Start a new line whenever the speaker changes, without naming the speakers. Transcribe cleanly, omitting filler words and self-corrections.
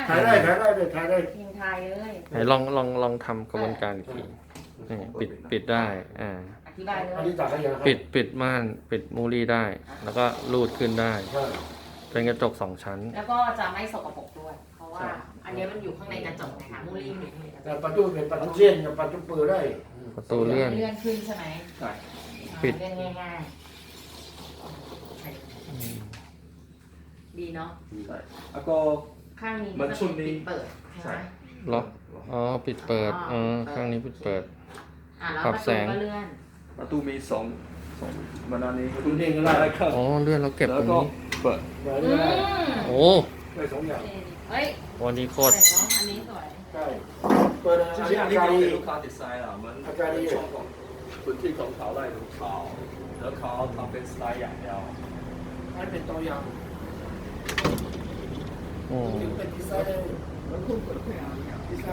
ถ่ายได้เลยถ่ายได้
ยังทายเลย
ไหนลองทำกระบวนการอีกทีนี่ปิดได้อ่า
อธิบายเล
อัน
ย
นี้ตัดให้ยังครับ
ปิดม่านปิดมูลี่ได้ แล้วก็รูดขึ้นได้
ใช่
เป็นกระจก2 ชั้น
แล้วก็จะไม่สกปรกด้วย เพราะว่าอันนี้มันอยู่ข้างในกระจกนะคะมูลี่อยู่ข้างในกระจ
แต่
ก
ประตูเป็นประตูเลี่ยนกับประตูเปิดได้
ประตูเลื่อน
เลื่อนขึ้นใช่ไหม
ใช่
ปิด
เลื่อนง่ายๆดีเนาะ
ใช่แล้วก็
ข้างนี้
มันช่วงนี้
เปิดใช่ไหม
ล็อกอ๋อปิดเปิดอ๋อข้างนี้ปิดเปิด
แล้ว
ปรั
ป
บ
ระ
แส
ตู
ง
ก็เลื่อน
ประตูมีสองมันอันนี้
ประตูเลี่ยนก็ได้
ได้ครับ
อ๋อเลื่อนแล้วเก็บต
แล้
ร
ว
ง
ก็
นี้
เปิด
เปิด
อื
ได้
ม
โอ้
ได้สองอย่าง
เฮ้ย
วันนี้โค
สวย
ตร
เนาะอันนี้สวย
ใช่เปิด
จ
อัน
ริ
นี้
งๆอั
อาน
นี้
การดี
ก็เป็นลูกค้าดีไซน์อ่ะมันช่องของพื้นที่ของเขาได้ของเขาแล้วเขาทำเป็นสไตล์อย่างเดียว
อันเป็นตัวอย่าง
โอ้
เป็นดีไซน์เลย
แล้วคุณเปิดเพลงอะไรเนี่ย
ดีไซ